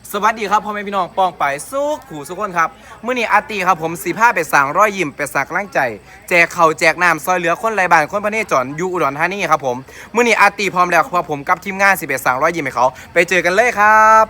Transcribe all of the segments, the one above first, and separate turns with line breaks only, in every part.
สวัสดีครับพ่อแม่พี่น้องป้องไปสู้ขู่สุกคนครับมื้อนี้อาตีครับผม15ไปสั่งร้อยยิ้มไปสักล้างใจแจกข้าวแจกน้ำซอยเหลือคนไร้บ้านคนพระเนจรอยู่อุดรธานีครับผมมื้อนี้อาตีพร้อมแล้วครับผมกับทีมงาน11สั่งร้อยยิ้มให้เขาไปเจอกันเลยครับ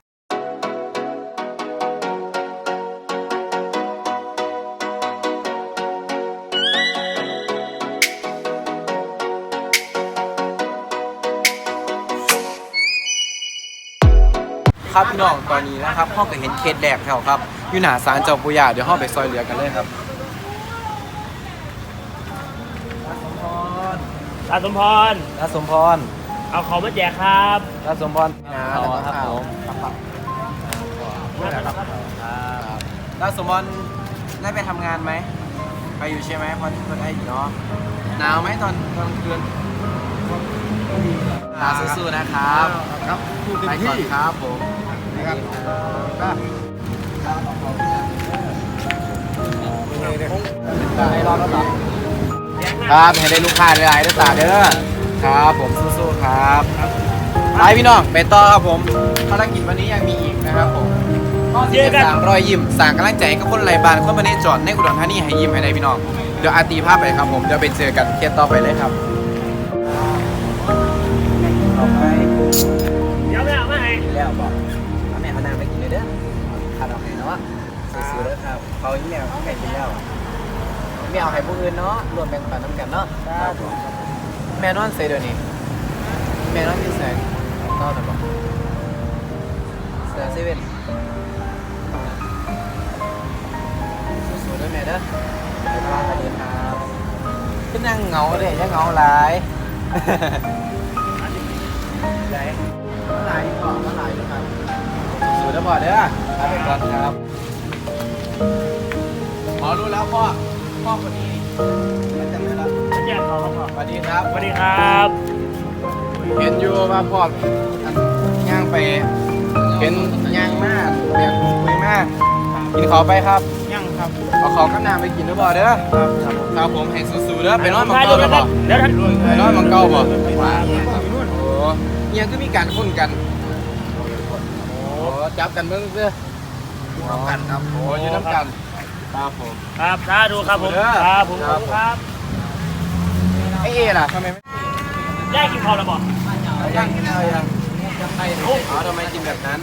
ครับพี่น้องตอนนี้นะครับพ่อก็เห็นเคสแรกแล้วครับอยู่หน้าศาลเจ้าปู่ย่าเดี๋ยวพ่อไปซอยเหลือกันเลยครับ
ตาสมพร
น้าสมพร
เอาของมาแจกครับ
น้าสมพรครับผมน้าสมพรได้ไปทำงานไหมไปอยู่ใช่ไหมพอคนได้อยู่เนาะหนาวไหมตอนกลางคืนตาสู้ๆนะครับ
ครับพูดเต็ม
ไปก่
ที่
อนครับผม
นะครับได้รอบแล้วเหรอ
ครับให้ได้ลูกค้าหลายๆด้วยตาเด้อครับผมสู้ๆครับไปพี่น้องไปต่อครับผมภารกิจวันนี้ยังมีอีกนะครับผมสั่งรอยยิ้มสั่งกำลังใจกับคนไร้บ้านคนประเทศจอดในอุดรธานีให้ยิ้มให้ได้พี่น้องเดี๋ยวอาตีภาพไปครับผมเดี๋ยวไปเจอกันเคสต่อไปเลยครับต่อไป
เดี๋ยวไม่เอามาให้
แล้วบอกแม่เอาน้ำไปกินเลยเด้อขาดเอาให้เนาะสู้ๆเด้อครับเขาอีแมวแม่กินแล้วไม่เอาให้ผู้อื่นเนาะรวมแบ่งปันน้ำกันเนาะแม่นอนเซเดี๋ยวนี้แม่นอนที่แสงนอนหรือเปล่าเสือเซเว่นสู้ๆเด้อแม่เด้อไปบ้านกันเลยครับขึ้นนั่งเหงาเลยยังเหงาหลายไหนมาหลายก่อนมาหลายครับสู้เด้อพ่อเด้อลาไปก่อนครับพอรู้แล้วพ่อคนนี้ไม่จำได้แล้ว
มาแจกของครับพ่อ
สวัสดีครับ
สวัสดีครับ
เห็นอยู่ว่าพ่อย่างไปเห็นย่างมากเรียนคุยมากกินขอไปครับ
ยังครับ
เอาขอกับน้ำไปกินด้วยบ่เด้อครับผมให้สู้ๆเด้อไปนอนหมังเก่าเลยบ่
เดี๋ยวท่าน
ไปนอนหมังเก่าบ่
ว่า
โอ้ยังก็มีการคุ้นกันโอ้จับกันเบิ่งเด้อ
ทำกันครับ
โอ้อยู่น้ำกันครับผม
ครับสาธุครับผมครับผมขอบคุณครับ
ไอ้เอล่ะทำไมไม่
ได้กินข้าวแล้วบอก
ยังเอาทำไมกินแบบนั้น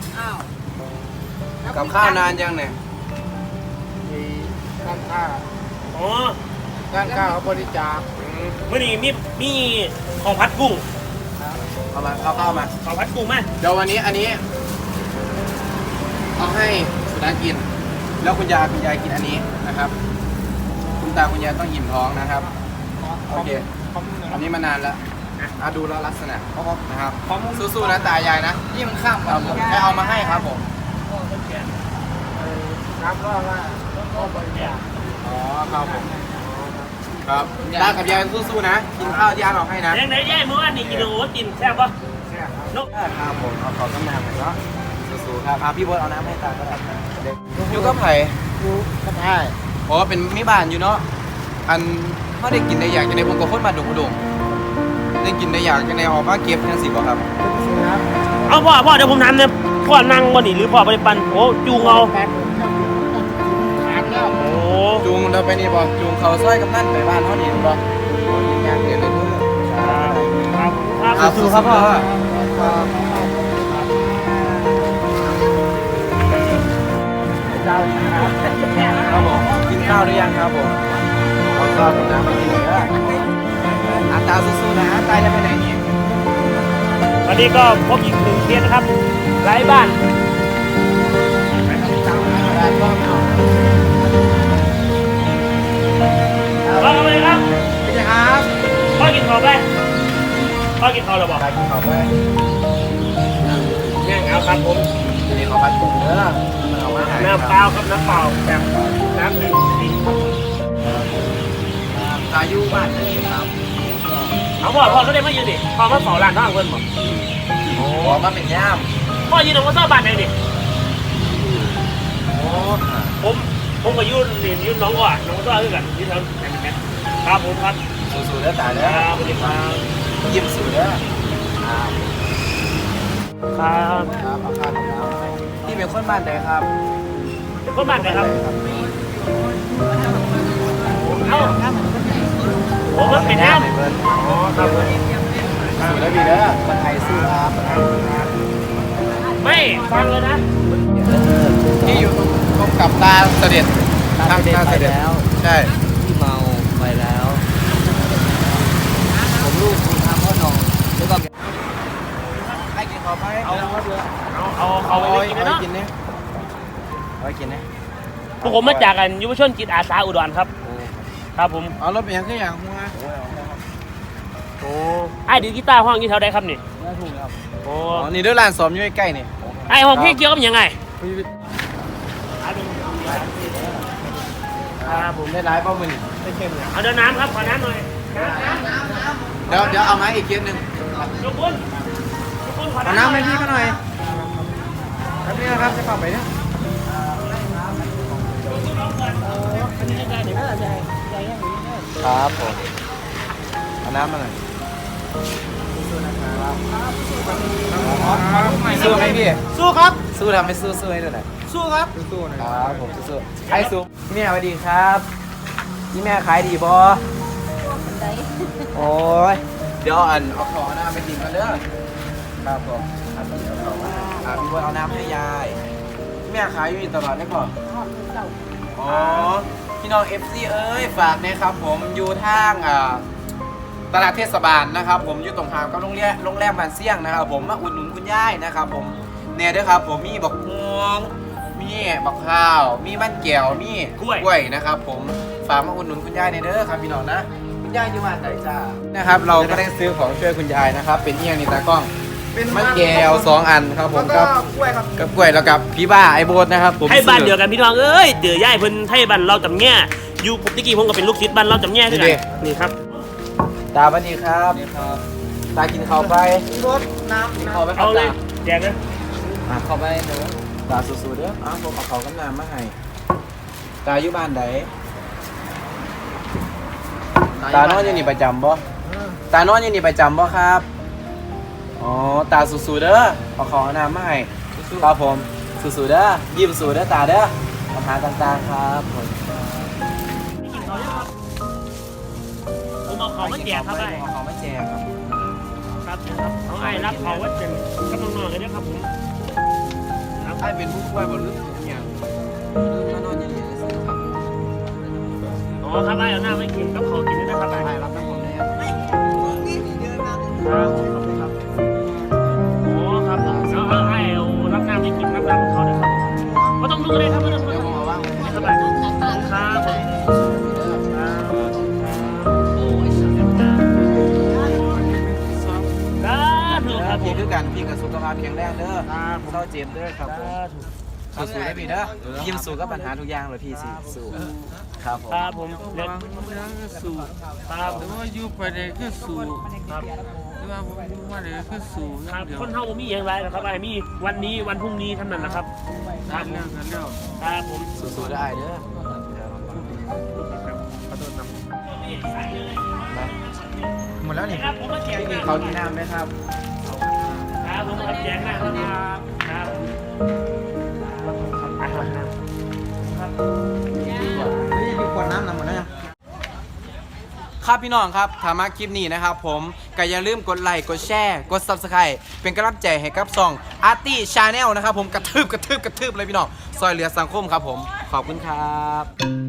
กับข้าวนานยังเนี่ย
มีการค่า
อ๋อ
การค่าเขาบริจาค
มื่อนี้มีของพัดกุ้ง
เอามาเข้ามา
ของพัดกุ้งไหม
เดี๋ยววันนี้อันนี้เอาให้สุนัขกิน แล้วคุณยายกินอันนี้นะครับ คุณตาคุณยายต้องอิ่มท้องนะครับโอเคอันนี้มานานแล้วดูแล้วลักษณะนะครับสู้ๆนะตายายนะนี่มันข้ามครับผมแค่เอามาให้ครับผม
ครับว่าก็บริจาค
อ๋อครับผมครับตากับยายสู้ๆนะกินข้าวยายเอาให้นะ
ยังไหนแย่เมื่อวานนี่กินโอ้กินแซ่บปะ
แค่ครับ
นก
ครับผมเอาขอต้มน้ำหน่อยเนาะสู้ๆครับพี่โบ๊ทเอาน้ำให้ตาก็ได้อยู่กับไผ่
ดูก็ได้
อ๋อเป็นมิบานอยู่เนาะอันเขาได้กินได้อยากจะในผมกับคนมาดุดุได้กินได้อยากจะในออกมาเก็บทั้งสิบบ่ครับ
ครับ
เอาพ่อเดี๋ยวผมทำเนี่ยพ่อนั่งบนนี่หรือพ่อไปปันโอ้จูงเอา
แฟนผมทานแล้ว
โอ้
จูงเราไปนี่บ่จูงเขาซอยกับนั่นไปบ้านเขานี่บ่ยางเดียวเลยเพื่อ
ครับสู้ๆครับพ่อ
เจ้าครับ
ครับผมกินข้าวหรือยังครับผมเอาข้าวกับน้ำมากินเลยนะอาตาสู้ๆนะตายจะไปไหนนี่
วันนี้ก็พบอีกหนึ่งเคสนะครับไร้บ้าน พ่อเอาเลยครับ
พี่เจ้ครับ
พ่อกินข้าวไปพ่อกินข้าวแล้วบอก
ตายกินข้าวไป
เนี่ยเอาครับผม
นี่ขอพัดกุ้งเด้อมันเอามาให้
น้ำเปล่าครับน้ำเปล่าแบบน้ำหนึ่ง
ตาอยู่บ้านไหนครับ
เอาพ่อเขาได้มายืนดิพ่อมาเฝ้าร้านน้องเพิ่นบอก
โอ้มาเป็นย่าม
พ่อยืนตรงว่าซ่อบ้านไหนดิ
โอ้
ผมก็ยืนเรียนยืนน้องก่อนน้องซ่อคือกันยืนแถวไหนเป็นแม่ครับผมครับ
สู้ๆเด้อตาเด้อ
ครับสวัสดีครับ
ยิ้มสู้เด้อ
ครับ
ครับเอาข้าวกับน้ำเป็นคนบ้านใดครับ
ก็มาเลยครับเอ้าโอ้มันเป็นน้ำ
เบิร์ด
อ๋อครับผม
สู้แล้วพี่เด้อคนไทยสู้ครับ
ไม่ฟังเลยนะ
ที่อยู่ตรงกับตาเสด็จทางตาเสด็จใช่
ที่เมาไปแล้ว ผมลูกคุณทำพ่อนอนแล้วก็
ให้กินข้าวไป
เอาไปกินนะเนาะ
กินเนี่ยเอาไปกินเนี่ย
พวกผมมาจากกันยุวชนจิตอาสาอุดรครับครับผม
เอารถไปยังขึ้นอย่างหัว
โอ้ไอ้ดีกีตาร์ห้องนี้เท่าไดครับนี่
ไม่ถูกครับ
โอ้
อ๋อนี่เด้อร้านสอมอยู่ใกล้ๆนี่
ไอ้ห้องพี่เกี่ยวกับยังไงครับผม
ได้ร้ายเป้ามือนี่
ไม่เข้มเลย
เอาเดินน้ำครับขอน้ำหน่อย
เดี๋ยวเอามาอีกเคสหนึ่ง
ทุกคนขอ
เอาน้ำให้พี่เขาหน่อยแป๊บนึงนะครับจะเข้าไปเนี่ยครับผมเอาน้ำมาหน่อยสู้ไหมพี่
สู้ครับ
สู้ทำไม่สู้สู้ให้ด้วยหน่อย
สู้ครับสู้นะ
ครับผมสู้ๆไอ้สู้แม่สวัสดีครับนี่แม่ขายดีบอโอ้ยเดี๋ยวเอาของน้ำไปกินกันเด้อครับผมพี่บอลเอาน้ำให้ยายแม่ขายอยู่ตลอดได้ก่อนอ๋อพี่น้อง FC เอ้ยฝากนะครับผมอยู่ทางตลาดเทศบาลนะครับผมอยู่ตรงข้ามกับโรงแรมบ้านเสี่ยงนะครับผมมาอุดหนุนคุณย่ายนะครับผมเนี่ยด้วยครับผมมีบักม่วงมีบักข้าวมีมันแก้วมีกล้วยนะครับผมฝากมาอุดหนุนคุณย่ายในเด้อครับพี่น้องนะคุณย่ายอยู่บ้านไหนจ้านะครับเราก็ได้ซื้อของช่วยคุณยายนะครับเป็นเอียงนี่ตากล้องเป็นมันแก้ว2 อันครับผมกับกล้วยครับกับกล้วยแล้วกับพี่บ้าไอโบสนะครับผม
ให้บ้านเดียวกันพี่น้องเอ้ยเดือย่ายเพิ่นให้บ้านเราจำแง่อยู่ผมตะกี้ผมก็เป็นลูกศิษย์บ้านเราจำแง่ด้วยกันนี่ครับ
ตาบันดีครับตากินข้าวไป
พี่รถน้ำ
กินข้าวไปครั
เอา
บ
เล
ตาย
แจกเลย
เข้าไปเดี๋ยว
ตาสู้ๆเด้ออ้าวผมเอาเขาวกับน้ำมาให้ตาอยู่บ้านไหนตานอนอยู่นี่ประจำบ่ตานอนอยู่นี่ประจำบ่ครับอ๋อตาสู้ๆเด้อเอาของเอาน้ำมาให้ครับผมสู้ๆเด้อยิ้มสู้เด้อตาเด้อปัญหาต่างๆครับผม
ผมเอาของมาแจกครับไอ้
เอาของมาแจกครับ
ครับเอาไอ้รับของวัดเจนกับน้องๆเลยนะครับผม
ไอ้เป็นผู้ช่วยบนลึกอย่างมานอนอยู่นี่เลยสิครับ
อ๋อครับไอ้เอาหน้าไม่กินกับเขากินด้วยนะครับไอ้
ไปรับน้ำผมเลย
ครับครับโอ้ครับเอาไอ้เอารับหน้าไม่กินรับหน้าของเขาเลยครับก็ต้องดูเลยครับไม่ต้องดู
เดี๋ยวผมเอาว่าง
ครับไอ้ครับครับถูกครับผ
พี่
ม
คือกันพี่กับสุขภาพแข็งแรงเด้อเศร้าเจ็บเด้อครับผม สู้ๆได้พี่เด้อยิ้มสู้กับปัญหาทุกอย่างเลยพี่สิสู้ครับผม
ครับผมเล็ก
สู้
ครับ
หรือว่าอยู่ไปเลยคือสู้
ครับ
หรือว่าผมอยู่มาเลยคือสู้
ครับ
เดียว
คนเฮาบ่มีอย่างไรนะครับไอ้มีวันนี้วันพรุ่งนี้เท่านั้นนะครับครับ
เรื่องกันเรื่อง
ครับผม
สู้ๆได้เด้อหมดแล้วนี่
ครับผมมาแจก
พี่มี
นะค
เขา
รับ
ที่น้ำไหมครับ
ผมมาแจกนะครับครับครับ
มีขวดน้ำนำมาแล้วยัง
ครับพี่น้องครับถ้ามาคลิปนี้นะครับผมก็อย่าลืมกดไลค์กดแชร์กด Subscribe เป็นกำลังใจให้กับช่อง Arty Channel นะครับผมกระทืบเลยพี่น้องซอยเหลือสังคมครับผมขอบคุณครับ